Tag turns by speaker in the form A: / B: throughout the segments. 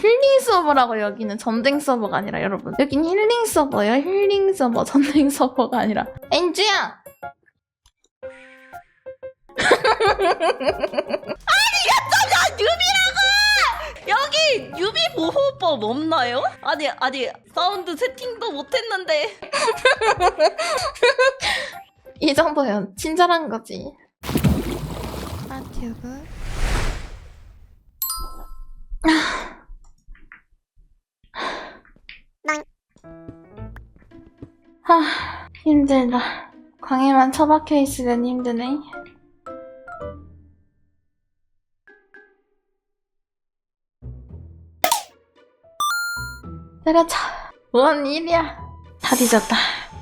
A: 힐링 서버라고. 여기는 전쟁 서버가 아니라 여러분. 여긴 힐링 서버예요. 힐링 서버. 전쟁 서버가 아니라. 엔주야!
B: 아니 유비라고! 여기 유비 보호법 없나요? 아니 사운드 세팅도 못했는데.
A: 이 정도면 친절한 거지.
C: 튜브.
A: 하, 힘들다. 광에만 처박혀 있으면 힘드네. 때려쳐. 뭔 일이야. 다 뒤졌다.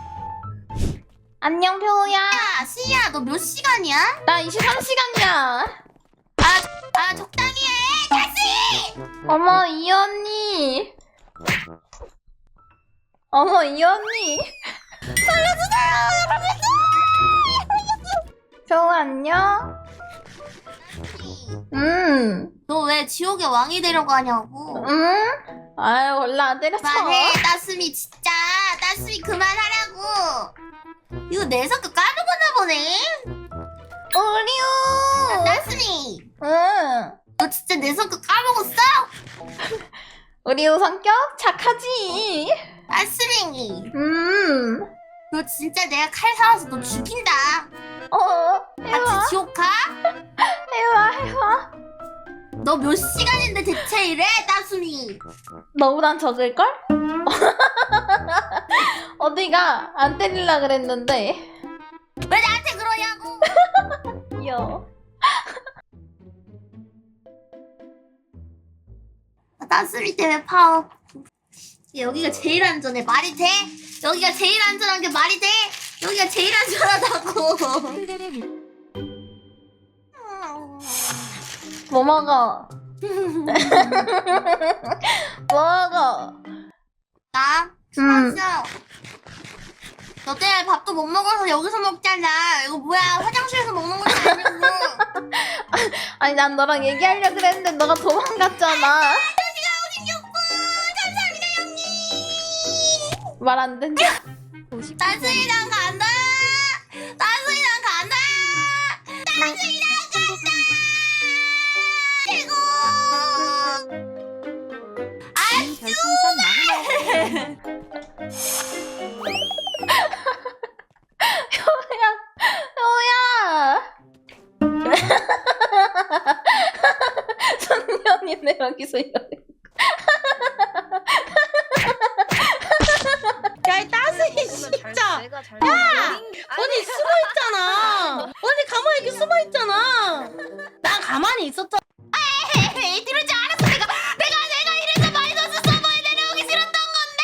A: 안녕, 표우야.
D: 야, 시야, 너 몇 시간이야?
A: 나 23시간이야.
D: 아, 적당히 해! 다시!
A: 어머, 이 언니. 어머, 이 언니. 살려주세요, 여러분. 표우, 안녕?
D: 너 왜 지옥의 왕이 되려고 하냐고.
A: 아유, 원래 안 때렸어.
D: 그만해, 따스미, 진짜. 따스미, 그만하라고. 이거 내 성격 까먹었나 보네?
A: 우리우.
D: 따스미,
A: 응.
D: 너 진짜 내 성격 까먹었어?
A: 우리우 성격 착하지.
D: 따스미,
A: 음.
D: 너 진짜 내가 칼 사와서 너 죽인다.
A: 해와.
D: 같이 지옥 가?
A: 해와.
D: 너 몇 시간인데 대체 이래, 따스미?
A: 너보단 적을걸? 어디가 안 때릴라 그랬는데.
D: 왜 나한테 그러냐고?
A: 여.
D: 따스미 때문에 파워. 여기가 제일 안전해. 말이 돼? 여기가 제일 안전한 게 말이 돼? 여기가 제일 안전하다고.
A: 뭐 먹어? 뭐 먹어?
D: 나? 맞아. 너 때문에 밥도 못 먹어서 여기서 먹잖아. 이거 뭐야? 화장실에서 먹는 것도 아니고.
A: 아니 난 너랑 얘기하려고 그랬는데 너가 도망갔잖아.
D: 감사합니다, 형님.
A: 말 안 된다.
D: 따스이랑 간다. 따스이랑 간다. 따스이랑 간다. 최고.
A: 효야. 선녀이네 여기서 이러네.
B: 야, 이 따스이 진짜. 언니 숨어 있잖아. 언니 가만히 이렇게 숨어 있잖아. 난 가만히 있었잖아.
D: 에이, 들을 줄 알았어. 내가 이래서 마이너스 서버에 내려오기 싫었던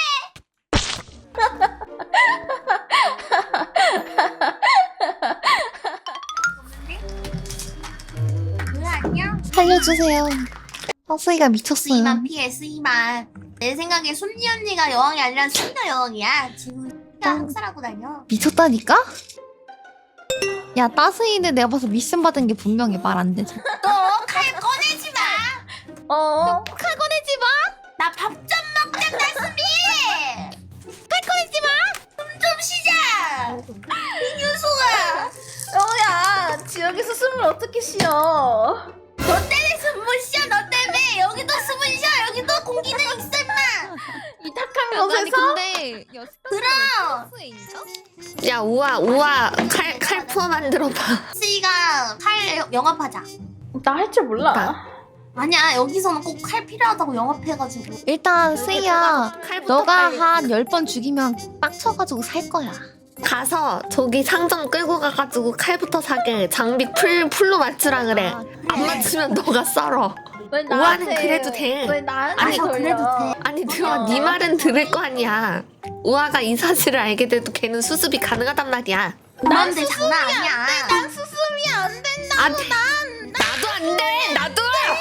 D: 건데. 그래, 안녕.
C: 살려주세요. 허수이가 미쳤어요.
D: S만 피해, S만. 내 생각에 순리 언니가 여왕이 아니라 순녀 여왕이야. 지금 학살하고 다녀.
C: 미쳤다니까? 야, 따스이는 내가 봐서 미션 받은 게 분명히 말 안 되지.
D: 너 칼 꺼내지 마.
C: 칼 꺼내지 마!
D: 나 밥 좀 먹자, 따스미. 칼 꺼내지 마. 숨 좀 쉬자. 이 녀석아.
A: 효야, 지역에서 숨을 어떻게 쉬어?
D: 너 때문에 숨 못 쉬어. 너 때문에 여기도 숨을 쉬어. 여기도 공기는 있어, 임마.
A: 이 탁한
C: 아니
A: 곳에서?
C: 근데
D: 그럼.
E: 야 우아 칼푸어 만들어봐.
D: 스이가 칼 영업하자.
A: 나 할 줄 몰라.
D: 아니야, 여기서는 꼭 칼 필요하다고 영업해가지고.
C: 일단 스이야, 너가
E: 빨리.
C: 한 10번 죽이면 빡쳐가지고 살 거야.
E: 가서 저기 상점 끌고 가가지고 칼부터 사게. 장비 풀로 맞추라 그래. 안 맞추면 너가 썰어.
A: 왜
E: 우아는 그래도 돼.
A: 왜 나한테
D: 아니,
A: 걸려?
D: 그래도 돼.
E: 아니 들어, 네 말은 들을 거 아니야. 우아가 이 사실을 알게 돼도 걔는 수습이 가능하단 말이야.
D: 그런데 장난 아니야.
A: 난 수습이 안 된다.
E: 안 돼. 나도 안 돼. 나도.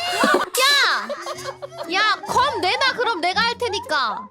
C: 야, 검 내놔. 그럼 내가 할 테니까.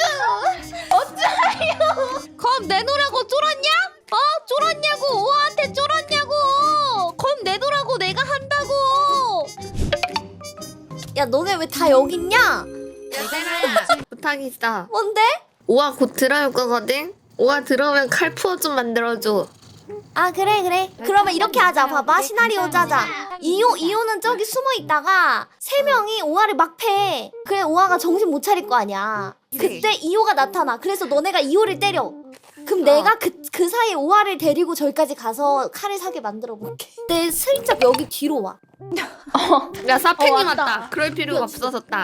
A: 어쩌요?
C: 검 내놓으라고 쫄았냐? 쫄았냐고. 우아한테 쫄았냐고. 검 내놓으라고. 내가 한다고. 야, 너네 왜 다 여기 있냐?
E: 얘들아 부탁이 있어.
C: 뭔데?
E: 오아 곧 들어올 거거든. 오아 들어오면 칼푸어 좀 만들어줘.
C: 아 그래. 그러면 이렇게 하자. 봐봐 시나리오 짜자. 이호는 저기 숨어 있다가 세 명이 오아를 막 패. 그래 오아가 정신 못 차릴 거 아니야. 그때 이호가 나타나. 그래서 너네가 이호를 때려. 그럼 내가 그 사이에 오아를 데리고 저기까지 가서 칼을 사게 만들어 볼게. 내 슬쩍 여기 뒤로 와.
E: 야 사팬님
A: 왔다.
E: 왔다. 그럴 필요가 없어졌다.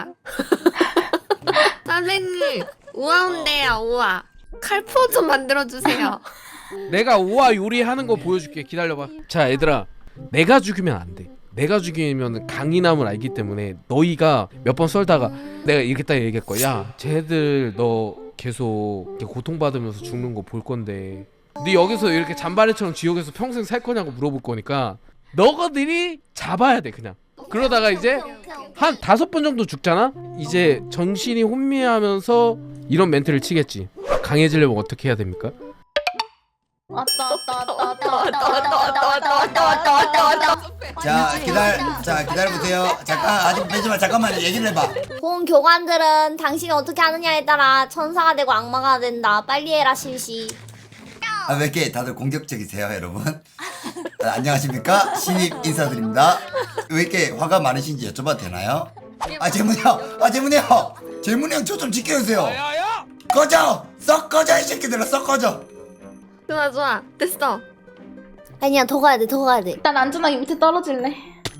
E: 선생님 오아 온대요 오아. 칼푸어 좀 만들어주세요.
F: 내가 오아 요리하는 거 보여줄게. 기다려봐. 자 얘들아, 내가 죽이면 안 돼. 내가 죽이면 강인함을 알기 때문에 너희가 몇 번 썰다가 내가 이렇게 딱 얘기할 거야. 야 쟤들 너 계속 이렇게 고통받으면서 죽는 거 볼 건데 네 여기서 이렇게 잔바레처럼 지옥에서 평생 살 거냐고 물어볼 거니까 너희들이 잡아야 돼 그냥. 그러다가 이제 한 5번 정도 죽잖아? 이제 정신이 혼미하면서 이런 멘트를 치겠지. 강해지려면 어떻게 해야 됩니까?
A: 왔다.
G: 자 기다려보세요. 잠깐 아직 빼지마. 잠깐만 얘기를 해봐.
C: 본 교관들은 당신이 어떻게 하느냐에 따라 천사가 되고 악마가 된다. 빨리 해라 실시.
G: 아, 왜 이렇게 다들 공격적이세요 여러분? 안녕하십니까? 신입 인사드립니다. 왜 이렇게 화가 많으신지 여쭤봐도 되나요? 재문이 형 저 좀 지켜주세요.
F: 야야야!
G: 꺼져! 썩 꺼져 이 새끼들아, 썩 꺼져.
E: 좋아 됐어.
C: 아니야 더 가야 돼.
A: 일단 안전하게 밑에 떨어질래.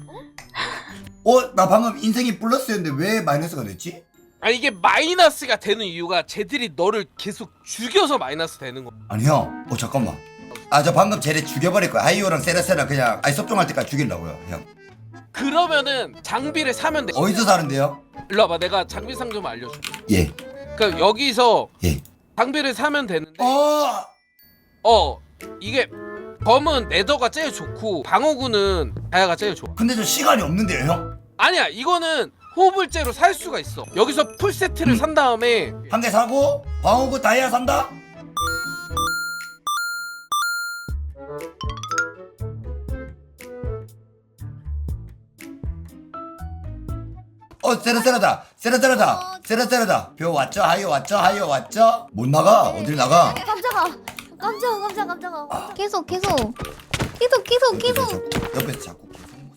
G: 나 방금 인생이 플러스였는데 왜 마이너스가 됐지?
F: 아 이게 마이너스가 되는 이유가 쟤들이 너를 계속 죽여서 마이너스 되는 거.
G: 아니 형, 잠깐만. 저 방금 쟤네 죽여버릴 거야. 하이오랑 세라세라 그냥 섭종할 때까지 죽이려고요 형.
F: 그러면은 장비를 사면 돼.
G: 어디서 사는데요?
F: 일로 와봐. 내가 장비 상 좀 알려줄게.
G: 예.
F: 그러니까 여기서
G: 예.
F: 장비를 사면 되는데 이게 검은 네더가 제일 좋고 방어구는 다이아가 제일 좋아.
G: 근데 저 시간이 없는데요 형?
F: 아니야 이거는 호불제로 살 수가 있어. 여기서 풀 세트를 산 다음에
G: 한 개 사고 방어구 다이아 산다? 세라세라다 벼 왔죠? 하이오 왔죠? 못 나가. 어딜 나가?
C: 깜짝아. 계속.
G: 옆에서 자꾸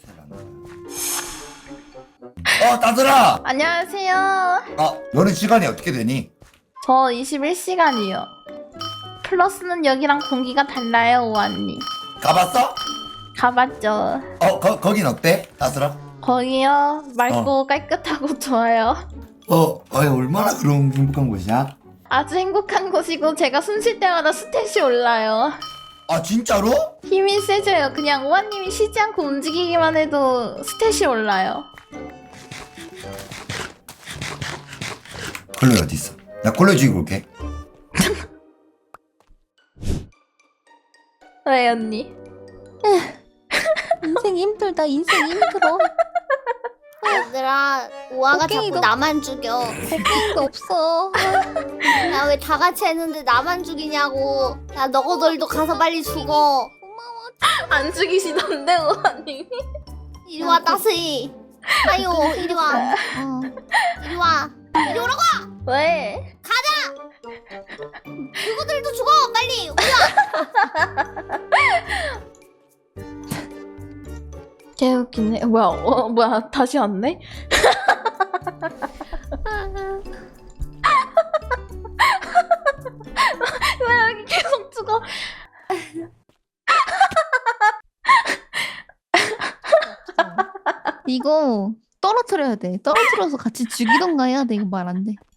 G: 따들아.
A: 안녕하세요.
G: 너는 시간이 어떻게 되니?
A: 저 21시간이요. 플러스는 여기랑 공기가 달라요, 오아님.
G: 가봤어?
A: 가봤죠.
G: 거긴 어때? 따들아?
A: 거기요 맑고 깔끗하고 좋아요.
G: 얼마나 그런 행복한 곳이야?
A: 아주 행복한 곳이고 제가 숨 쉴 때마다 스탯이 올라요.
G: 아 진짜로?
A: 힘이 세져요. 그냥 오아님이 쉬지 않고 움직이기만 해도 스탯이 올라요.
G: 콜로이 어디 있어? 나 콜로이 죽이고 올게.
A: 왜 언니?
C: 인생이 힘들어. 얘들아 오아가 자꾸 나만 죽여. 곡괭이도 없어. 야 왜 다 같이 했는데 나만 죽이냐고. 야 너희들도 가서 빨리 죽어.
A: 안 죽이시던데 오아님이?
C: 이리 와 따스이. 아유 이리 와. 이리 오라고.
A: 왜?
C: 누구들도 죽어 빨리.
A: 개웃기네. 뭐야 다시 왔네? 왜 여기 계속 죽어?
C: 이거 떨어뜨려야 돼. 떨어뜨려서 같이 죽이던가 해야 돼. 이거 말 안 돼.